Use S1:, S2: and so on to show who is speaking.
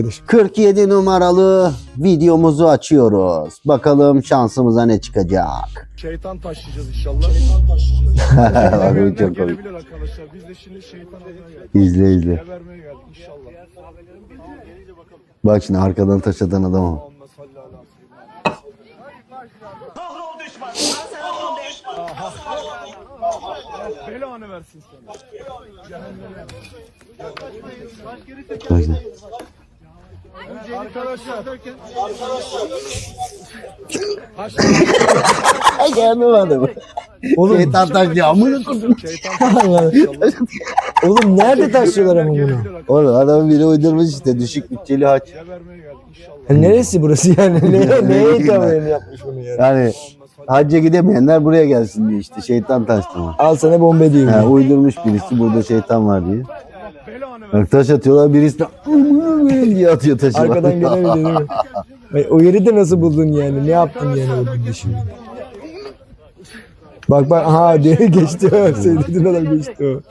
S1: 47 numaralı videomuzu açıyoruz. Bakalım şansımıza ne çıkacak.
S2: Şeytan taşıyacağız inşallah.
S1: Abi çok komik.
S2: Gelebilir arkadaşlar. Biz de şimdi şeytan geldik.
S1: İzle izle.
S2: Gebermeye geldik inşallah.
S1: Bak şimdi arkadan taş atan adam o.
S2: Allahümme salli ala seyyidina. Belanı versin sana. Cehenneme.
S1: Bak şimdi.
S2: Arkadaşlar.
S1: Ay gelmem adamı.
S3: Oğlum,
S1: Şeytan taş diyor. Amına koydum.
S2: Şeytan taşıyacağız inşallah.
S3: oğlum nerede taşıyorlar ama bunu?
S2: Gelebilir arkadaşlar.
S1: Oğlum adamın biri uydurmuş işte. Düşük bütçeli haç.
S2: Gebermeye geldik inşallah.
S3: Neresi burası yani? Neye itamen yapmış bunu yani?
S1: Yani hacca gidemeyenler buraya gelsin diye işte. Şeytan taş tamam.
S3: Al sana bombe diyeyim.
S1: Ha, uydurmuş birisi burada şeytan var diye.
S2: Belanı versin.
S1: Bak taş atıyorlar birisi de diye atıyor taşı.
S3: Arkadan gelen bir de değil mi? Ay, o yeri de nasıl buldun yani? Ne yaptın yani o günde şimdi? Bak bak aha diye geçti o. Sevdiğin adam geçti o.